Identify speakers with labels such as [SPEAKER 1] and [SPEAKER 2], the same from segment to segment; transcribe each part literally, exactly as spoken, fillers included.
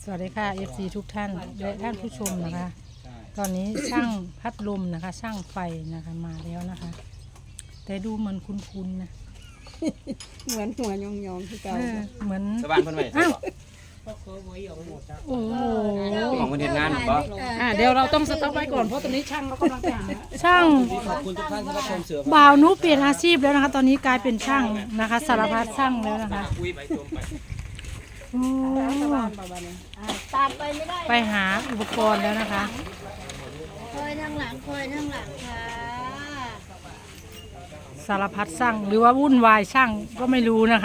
[SPEAKER 1] สวัสดีค่ะ เอฟ ซี ทุกท่านและท่านผู้ชมนะคะ ตอนนี้ช่างพัดลมนะคะ ช่างไฟนะคะมาแล้วนะคะ แต่ดูเหมือนคุ้นๆนะ
[SPEAKER 2] เหมือนหัวยองๆที่เก่า
[SPEAKER 1] เออเหมือน
[SPEAKER 3] สบานเพิ่นไว้ใช่บ่
[SPEAKER 1] โอ้โห
[SPEAKER 3] ของเพิ่นเฮ็ดงานบ่
[SPEAKER 2] อ่าเดี๋ยวเราต้องสต็อปไว้ก่อนเพราะตอนนี้ช่างเขากำลังไปหา
[SPEAKER 1] ช่าง
[SPEAKER 3] ขอบคุณทุกท่านที่รับชมเสือ
[SPEAKER 1] บ่าวนุเปลี่ยนอาชีพแล้วนะคะ ตอนนี้กลายเป็นช่างนะคะสารพัดช่างแล้วนะคะ
[SPEAKER 3] คุยไปชมไป
[SPEAKER 1] โอ้
[SPEAKER 4] ตามไปไม่ได้
[SPEAKER 1] ไปหาอุปกรณ์แล้วนะคะ
[SPEAKER 4] คอยทางหลังคอยทางหลังค่ะ
[SPEAKER 1] สารพัดช่างหรือว่าวุ่นวายช่างก็ไม่รู้นะคะ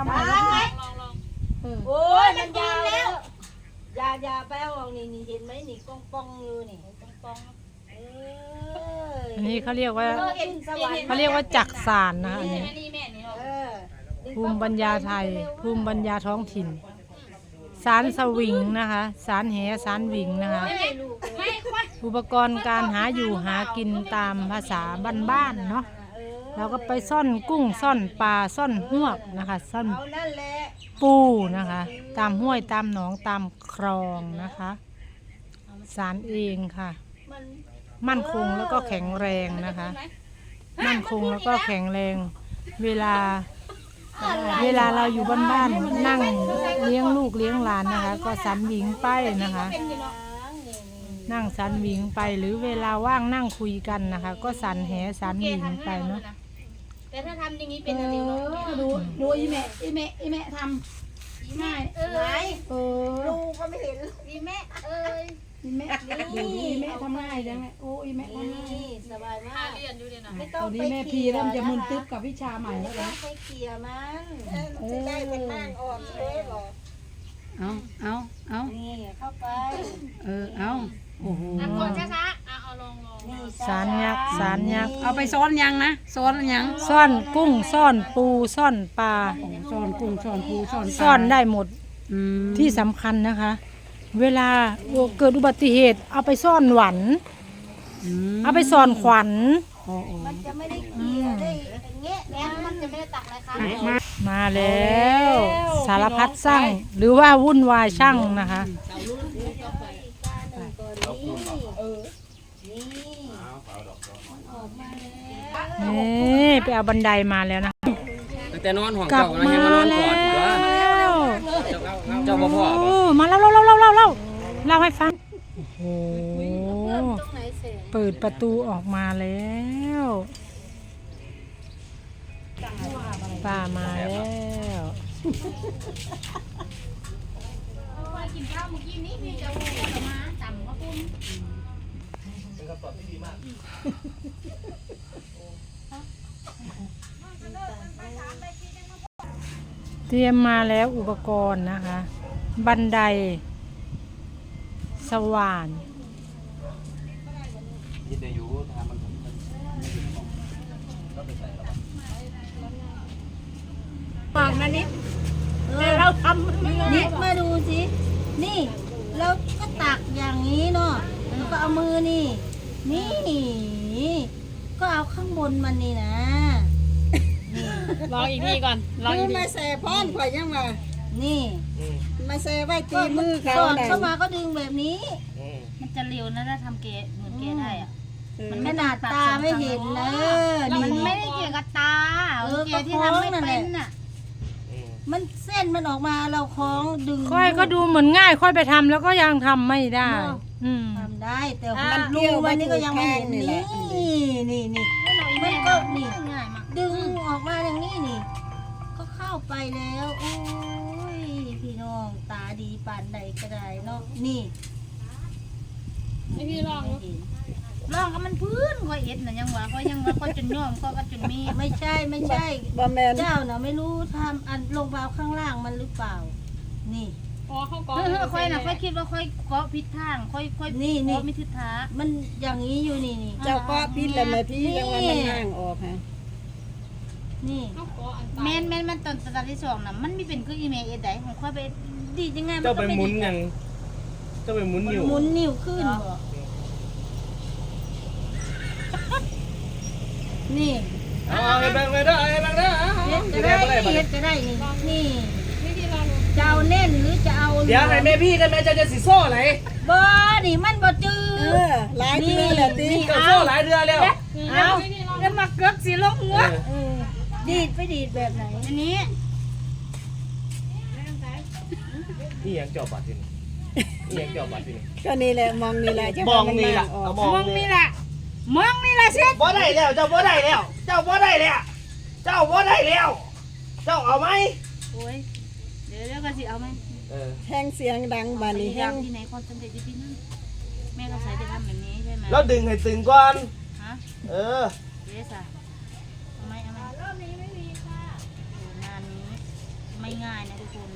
[SPEAKER 4] โอ้ยมันยาวแล้วอย่าอย่าไปเอาออกนี่นี่เห็นไหมนี่ปองปองอยู่นี่ปองปองเออ
[SPEAKER 1] อันนี้เขาเรียกว่า
[SPEAKER 4] ขึ้นสวรรค์
[SPEAKER 1] เขาเรียกว่าจักสานนะคะอันนี้
[SPEAKER 4] เออ
[SPEAKER 1] ภูมิปัญญาไทย ภูมิปัญญาท้องถิ่น สารสวิงนะคะ สารแหสารวิงนะคะ อุปกรณ์การหาอยู่หากินตามภาษาบ้านๆเนาะ เราก็ไปซ่อนกุ้งซ่อนปลาซ่อนหวกนะคะ ซ่อน
[SPEAKER 4] เอานั่นแหละ
[SPEAKER 1] ปูนะคะ ตามห้วยตามหนองตามคลองนะคะ สารเองค่ะ
[SPEAKER 4] มัน
[SPEAKER 1] มั่นคงแล้วก็แข็งแรงนะคะ มั่นคงแล้วก็แข็งแรง เวลา เวลาเราอยู่บ้านๆนั่งเลี้ยงลูกเลี้ยงหลานนะคะ ก็สันหวิงไปนะคะ นั่งสันหวิงไปหรือเวลาว่างนั่งคุยกันนะคะ ก็สันแหสันหวิงไปเนาะ
[SPEAKER 5] แต่ถ้าทำอย่างนี้
[SPEAKER 2] เอ
[SPEAKER 5] เป็นอะไรเนาะ
[SPEAKER 2] อดูดูอีแม่อีแม่อีแม่ทำง่าย
[SPEAKER 5] เออ
[SPEAKER 2] เออ
[SPEAKER 4] ดูก็ไม่เห็น
[SPEAKER 5] ดีแม่เอ้ย
[SPEAKER 2] อีแม่ดูอีแม่ทำง่ายจังเลยโอ้อีแม่ทำง่าย
[SPEAKER 4] นี่สบายมา
[SPEAKER 5] ถ้าก เรียนอยู่เรียนนะ
[SPEAKER 4] ไม่
[SPEAKER 2] ต
[SPEAKER 4] ต้อง
[SPEAKER 2] อนนี้
[SPEAKER 4] ไป
[SPEAKER 2] แม่พี
[SPEAKER 4] เขี่ย
[SPEAKER 2] เริ่มจะมึนตึ๊บ
[SPEAKER 4] ค
[SPEAKER 2] กับวิชาใหม่แล้ว
[SPEAKER 4] ไม่ต้อ
[SPEAKER 2] นะ
[SPEAKER 4] งไปเขี่ยมัน
[SPEAKER 2] จะได้เป็นมากออกเลยหรอเอาเอาเอา
[SPEAKER 4] นี่เข้าไป
[SPEAKER 2] เออเอาโอ้โห
[SPEAKER 5] อ่ะกดช้าๆอ่ะเอาลองลอง
[SPEAKER 4] นี่
[SPEAKER 1] สารยักษ์สารยักษ์
[SPEAKER 2] เอาไปซ้อนยังนะซ้อนยัง
[SPEAKER 1] ซ่อนกุ้งซ่อนปูซ่อนปลา
[SPEAKER 2] ซ้อนกุ้งซ้อนปูซ้อนปลา
[SPEAKER 1] ซ่อนได้หมด
[SPEAKER 2] อืม
[SPEAKER 1] ที่สำคัญนะคะ เวลาเกิดอุบัติเหตุ เอาไปซ่อนหวัน
[SPEAKER 2] อืม
[SPEAKER 1] เอาไปซ่อนขวัญ
[SPEAKER 2] โอ้โห
[SPEAKER 4] มันจะไม่ได้เขี่ยได้อย่างเงี้ย
[SPEAKER 5] แล้มันจะไม่ได้ตักอะไรคะ
[SPEAKER 2] มา
[SPEAKER 1] มาแล้ว สารพัดช่างหรือว่าวุ่นวายช่างนะคะ
[SPEAKER 3] เอาคูณเอา
[SPEAKER 4] นี่
[SPEAKER 3] เอาเอาดอกดอก
[SPEAKER 4] ออกมาแล้ว
[SPEAKER 1] นี่ไปเอาบันไดมาแล้วนะ
[SPEAKER 3] ตั้งแต่นอนห้อง
[SPEAKER 1] กลั
[SPEAKER 3] เจ้า
[SPEAKER 1] บ
[SPEAKER 3] ก็
[SPEAKER 1] มา
[SPEAKER 3] ยังมานอน
[SPEAKER 1] แล้
[SPEAKER 3] ก่อนอยู่ว่า
[SPEAKER 1] ว
[SPEAKER 3] เจ้าเจ้าบ่พ่อบ่
[SPEAKER 1] โอ้มาเล่าเล่าเล่าเล่าเล่าเล่าเล่าให้ฟังโอ้โห
[SPEAKER 4] ตรงไหนเสร็จ
[SPEAKER 1] เปิดประตูออกมาแล้วป้ามาแล้ว
[SPEAKER 5] ไปกินข้าวเมื่อกี้นี้พี่จะพูดมาต่ำก็ปุ้น
[SPEAKER 1] เตรียมมาแล้วอุปกรณ์นะคะ บันไดสว่าน
[SPEAKER 3] ยินดีอยู่ทางมัน
[SPEAKER 4] บอกมานิดแต่เราทำนิดมาดูสิ นี่ เราก็ตักอย่างนี้เนาะแล้วก็เอามือนี่ นี่ ก็เอาข้างบนมันนี่นะ
[SPEAKER 5] ลองอีกทีก่อนลองอีกที
[SPEAKER 2] มาแซ่พ่อนข่อยยังมา
[SPEAKER 4] นี่
[SPEAKER 2] มาแซ่ไว้ตีมือเขา
[SPEAKER 4] สอด
[SPEAKER 2] ไหน
[SPEAKER 4] เข้ามาก็ดึงแบบนี้
[SPEAKER 5] มันจะเร็วนะถ้าทำเกะเหมือนเกะได้อ่ะ
[SPEAKER 4] มันขนาดตาไม่เห็นเลย
[SPEAKER 5] มัน
[SPEAKER 4] นี่
[SPEAKER 5] ไม่ได้เกี่ยวกับตา
[SPEAKER 4] เออ
[SPEAKER 5] เกะที่ทำไม่
[SPEAKER 4] ก็คล้องนั่นแห
[SPEAKER 5] เป็
[SPEAKER 4] ละ
[SPEAKER 5] นน่ะ
[SPEAKER 4] มันเส้นมันออกมาเราคล้องดึง
[SPEAKER 1] ค่อยก็ดูเหมือนง่าย ค่อยไปทำแล้วก็ยังทำไม่ได้ อืม
[SPEAKER 4] ทำได้แต่มันรูมันนี่ก็ยังไม่เห็นนี่นี่นี่มันก็นี่
[SPEAKER 5] ง่ายมาก
[SPEAKER 4] ดึงออกมาอย่างนี้นี่ ก็เข้าไปแล้วโอ้ยพี่น้องตาดีปานใดก็ได้เนาะนี่
[SPEAKER 5] ไม่พี่ลอง
[SPEAKER 4] ไม่เห็น
[SPEAKER 5] ลองก็มันพื้นค่อยเอ็ดน่ะยังว่าค่อยยังว่าค่อยจนย่อมก็ก็จนมี
[SPEAKER 4] ไม่ใช่ไม่ใช่
[SPEAKER 2] บะแมน
[SPEAKER 4] เจ้าน่ะไม่รู้ทำอันลงเบาข้างล่างมันหรือเปล่า นี่
[SPEAKER 5] เออค่อยน่ะค่อยคิดว่าค่อยเกาะผิดทางค่อยค่อย
[SPEAKER 4] นี่นี่
[SPEAKER 5] เกาะไม่ทิศทาง
[SPEAKER 4] มันอย่างนี้อยู่นี่นี่
[SPEAKER 2] เจ้าก็พิษแล้วแม่พี่ยังว่ามันห่างออกฮะ
[SPEAKER 4] นี่
[SPEAKER 5] แม่นแม่นมันตอนตอนที่สองน่ะมันมีเป็นคืออีเมลเอ็ดได้ของค่อยไปดีจังไง
[SPEAKER 3] เจ้าไปหมุนยังเจ้าไปหมุนอยู่
[SPEAKER 4] หมุนนิ้วขึ้นนี่
[SPEAKER 3] เอาเอาให้แบ่งไปได้ให้แบ่งได้
[SPEAKER 4] เฮ็ดก็ได้เฮ็ดก็ได้นี่นี่
[SPEAKER 5] วิธีลอง
[SPEAKER 4] ถจะเอาเน่นหรือจะเอา
[SPEAKER 3] เดี๋ยวให้แม่พี่กันแม่เจ้าจะสิโซ่ไหน
[SPEAKER 4] บ่นี่มันบ่จืด
[SPEAKER 2] เออหลายเทื่อแล้วติ
[SPEAKER 3] เจ้าโซ่หลายเดือนแล้ว
[SPEAKER 4] เอาแล้วมาเกือกสิลงหัว
[SPEAKER 3] เออ
[SPEAKER 4] เออดีดไปดีดแบบไหน
[SPEAKER 5] อันนี้
[SPEAKER 3] นี่ยังเจ้าบัตรที่นี่นี่ยังเจ้าบัตรที่นี่
[SPEAKER 2] ก็นี่แหละมองนี่แหละจะ
[SPEAKER 3] มองนี่ล่ะ
[SPEAKER 2] ออ
[SPEAKER 3] เอา
[SPEAKER 2] ก
[SPEAKER 3] มอง
[SPEAKER 5] มอง
[SPEAKER 3] นี่
[SPEAKER 5] นี่แหละมองนี่แหละสิ
[SPEAKER 3] บ่ได้แล้วเจ้าบ่ได้แล้ว เจ้าบ่ได้แล้ว เจ้าบ่ได้แล้ว เจ้าเอาไหม
[SPEAKER 5] โอ้ยเดี๋ยวเดี๋ยวก็สิเอาไหม
[SPEAKER 3] เออ
[SPEAKER 2] แห้งเสียงดังบานนี้
[SPEAKER 5] พยา
[SPEAKER 2] แห้
[SPEAKER 5] ยาง มที่ไหนคอนเซนเทรตที่นั่นแม่ก็ใช้จะทำแบบนี้ใช่ไหม
[SPEAKER 3] แล้วดึงให้ตึงก่อน
[SPEAKER 5] ฮะ
[SPEAKER 3] เออ
[SPEAKER 5] เดี๋ยวสิเอาไหมเอาไหมรอบนี้ไม่มีค่ะงานนี้ไม่ง่ายนะทุกคน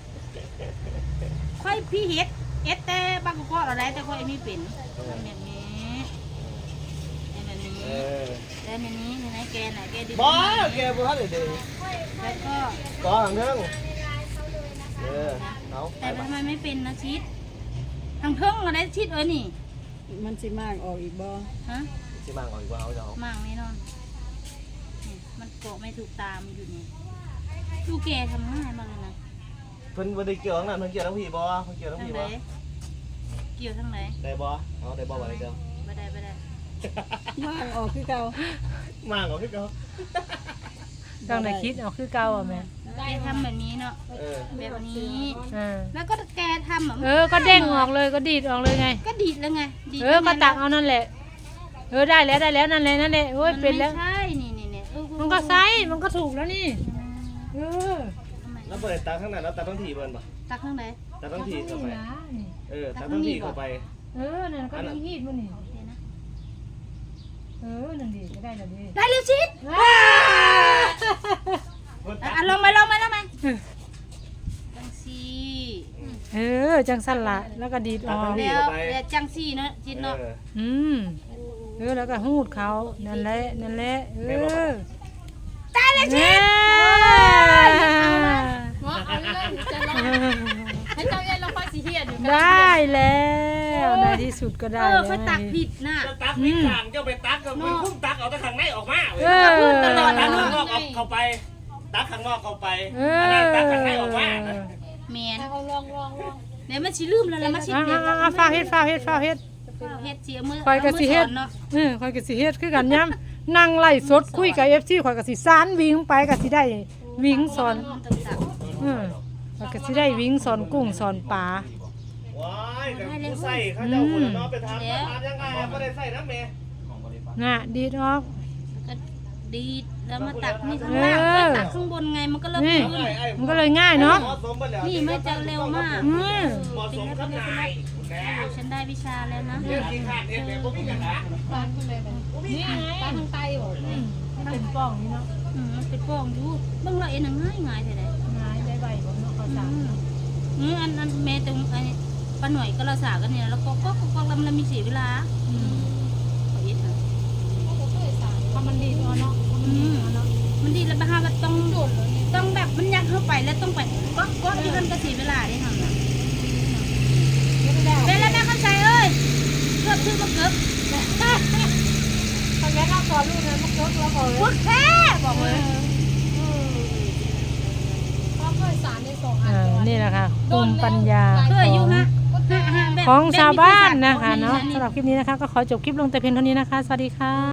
[SPEAKER 5] ค่อยพี่เฮ็ดเอ็ดแต่บางก็เราได้แต่ค่อยมีเป็นทำแบบนี้แบบนี้
[SPEAKER 3] เออ
[SPEAKER 5] แล้วในนี้ในไหนแกไหนแกดี
[SPEAKER 3] บ่แกบ่ทันได้ดึง
[SPEAKER 5] แล้วก็
[SPEAKER 3] ก่อหางเทิงเออเอา
[SPEAKER 5] แต่ทำไมไม่เป็นนะชิดทางเทิงอะไรชิดเอ้ยนี่
[SPEAKER 2] มันสิมากออกอีกบ่
[SPEAKER 5] ฮะ
[SPEAKER 3] สิมางเอาอีกว่าเอาเจ้า
[SPEAKER 5] มั่งแน่นอนนี่มันเกาะไม่ถูกตามนอยู่นี่ดูแกทำง่ายมากเลยนะ
[SPEAKER 3] เพิ่นบ่ได้เกี่ยวทั้งนั้นเพิ่นเกี่ยวทั้งพี่บ่เพิ่นเกี่ยวทั้ง
[SPEAKER 5] ทาง
[SPEAKER 3] พี่
[SPEAKER 5] ไหน
[SPEAKER 3] บ่
[SPEAKER 5] เกี่ยวทางไหน
[SPEAKER 3] ได้บ่เอาได้บ่บ่ได้เจ้า
[SPEAKER 5] ไม่ได้ไม่ได้
[SPEAKER 2] มากออกคือเก่า
[SPEAKER 3] มางเอาคือเก่า
[SPEAKER 1] ต้องได้คิดเอาคือเก่าอ่ะแม่
[SPEAKER 5] แกทำแบบนี้เนาะ
[SPEAKER 3] เออ
[SPEAKER 5] แบบนี้
[SPEAKER 1] เออ
[SPEAKER 5] แล้วก็แกทำอ่ะ
[SPEAKER 1] เออก็เด้งออกเลยก็ดีดออกเลยไง
[SPEAKER 5] ก็ดีดแล้วไงดีด
[SPEAKER 1] เออก็ตักเอานั่นแหละ เออได้แล้วได้แล้วนั่นแหละนั่นแหละโอ้ย
[SPEAKER 5] มัน
[SPEAKER 1] เป็นแล้ว
[SPEAKER 5] ไม่ใช่นี่นี่นี่เออ
[SPEAKER 1] มันก็ไซส์มันก็ถูกแล้วนี่เออ
[SPEAKER 5] ทำไม
[SPEAKER 3] แล้วบ่ได้ตักทั้งนั้นแล้วตักทั้งทีเบิ่นบ่
[SPEAKER 5] ตักทางไหน
[SPEAKER 3] ตักทั้งทีเข้าไป
[SPEAKER 1] นี่นะนี่
[SPEAKER 3] เออตักทั้งทีเข้าไป
[SPEAKER 1] เออนั่นก็มีฮีดมันนี่
[SPEAKER 5] เดี๋ยวนะ
[SPEAKER 1] เออนั่นดีก็ได้แล้วดี
[SPEAKER 5] ได้เร็วชิด
[SPEAKER 3] เพิ่น
[SPEAKER 5] อ่ะ
[SPEAKER 3] ตัก
[SPEAKER 5] อ่ะลงมาลงมาลงมาจังสี
[SPEAKER 1] เออจังสั้นละแล้วก็ดีดออก
[SPEAKER 5] เดี๋ยวเดี๋ยวจังสีเนาะจิตเนาะ
[SPEAKER 3] เออ
[SPEAKER 1] อืมเออแล้วก็หูดเขานั่นแหละนั่นแหละเออ
[SPEAKER 5] ตายแล้วชิด
[SPEAKER 1] ให้เจ้าเย็นเราค่อยสิเฮียอยู่ได้แล้วในที่สุดก็
[SPEAKER 5] เอ
[SPEAKER 1] ได้
[SPEAKER 5] อ
[SPEAKER 1] แล้ว
[SPEAKER 5] เขาตักผิดน่ะ
[SPEAKER 3] เจ้าตักมีข้างเจ้าไปตักก็มันคุ้มตักเอาแต่ข้างในออกมา
[SPEAKER 1] เออ
[SPEAKER 3] ตักข้างนอกเอาเข้าไป ตักข้างนอกเข้าไป
[SPEAKER 1] เอ
[SPEAKER 3] อัน
[SPEAKER 1] อ
[SPEAKER 3] นั้นตักข้างในออกมา
[SPEAKER 5] แมนลองลองลองเดี๋ยวมันชิลืมแล้วแล้วมันชิ
[SPEAKER 1] อ่า
[SPEAKER 5] เด็ด
[SPEAKER 1] อ่าฟ้าเฮ็ดฟ้าเฮ็ดฟ้าเฮ็ด
[SPEAKER 5] เฮ็ดเสียมือ
[SPEAKER 1] คอยกะสิเฮ็ด
[SPEAKER 5] เนาะ
[SPEAKER 1] เออคอยกะสิเฮ็ดคือกันย้ำนั่งไล่สดคุยกับ เอฟ ซี ข่อยกะสิสานวิ่งไปกะสิได้วิ่งสอน
[SPEAKER 5] ต่าง
[SPEAKER 1] เออข่อยกะสิได้วิ่งสอนกุ้งสอนปลา
[SPEAKER 3] ว้ายแต่ผู้ใส่เขาเจ้าคนเนาะไปทำมาทำยังไงอะไม่ได้ใส่น้ำเมย์
[SPEAKER 1] น่ะดีดออก
[SPEAKER 5] ๆก็ดีดแล้วมาตักนี่ข้างล่าง
[SPEAKER 1] เออ
[SPEAKER 5] ก็ตักข้างบนไงมันก็เริ่ม
[SPEAKER 1] นี่
[SPEAKER 5] ขึ้น
[SPEAKER 1] มันก็เลยง่ายเนาะ
[SPEAKER 3] เหมาะสมไปแล้ว
[SPEAKER 5] นี่มันจะเร็วมาก
[SPEAKER 1] อืม
[SPEAKER 3] เหมาะสมกับนายแก
[SPEAKER 5] ฉันได้วิชาแล้วนะ
[SPEAKER 3] เรื่องกินขาดเนี่ยแต่พวกนี้กันนะ
[SPEAKER 1] นี่ไงปลาทางไตบ่มันเป็นป้องนี่เนาะ
[SPEAKER 5] อืมมันเป็นป้องอยู่เบิ่งและเอ็นง่ายง่ายๆเท่าใด
[SPEAKER 1] ง่ายได้ใบบ่เนาะเขา
[SPEAKER 5] อื
[SPEAKER 1] สาม
[SPEAKER 5] อืมอันอันแม่ตรงไอ้ป้าหน่อยก็เราสากันเนี่ยแล้วก็ก็ก็ก็แล้วมันมีเสียเวลาอืมขอเอ็ดนะ
[SPEAKER 1] ถ้ามันดีดเอาเนาะ
[SPEAKER 5] อืมมันดีแล้วบ้ามันต้องต้องแบบมันยักเข้าไปแล้วต้องไปก็ก็ที่มันก็เสียเวลาได้ทำนะเป็นแล้วแม่เข้าใจเอ้ยเกือบชื่อมาเกือบ
[SPEAKER 1] ตอนแรกเราสอนลูกนะมันเกิดเราบอกเลย
[SPEAKER 5] พวกแค่บอกเลย
[SPEAKER 1] เออนี่แหละค่ะภูมิปัญญา
[SPEAKER 5] เคยอยู่ฮะ
[SPEAKER 1] ของชาวบ้านนะคะเนาะสำหรับคลิปนี้นะคะก็ขอจบคลิปลงแต่เพียงเท่านี้นะคะ สวัสดีค่ะ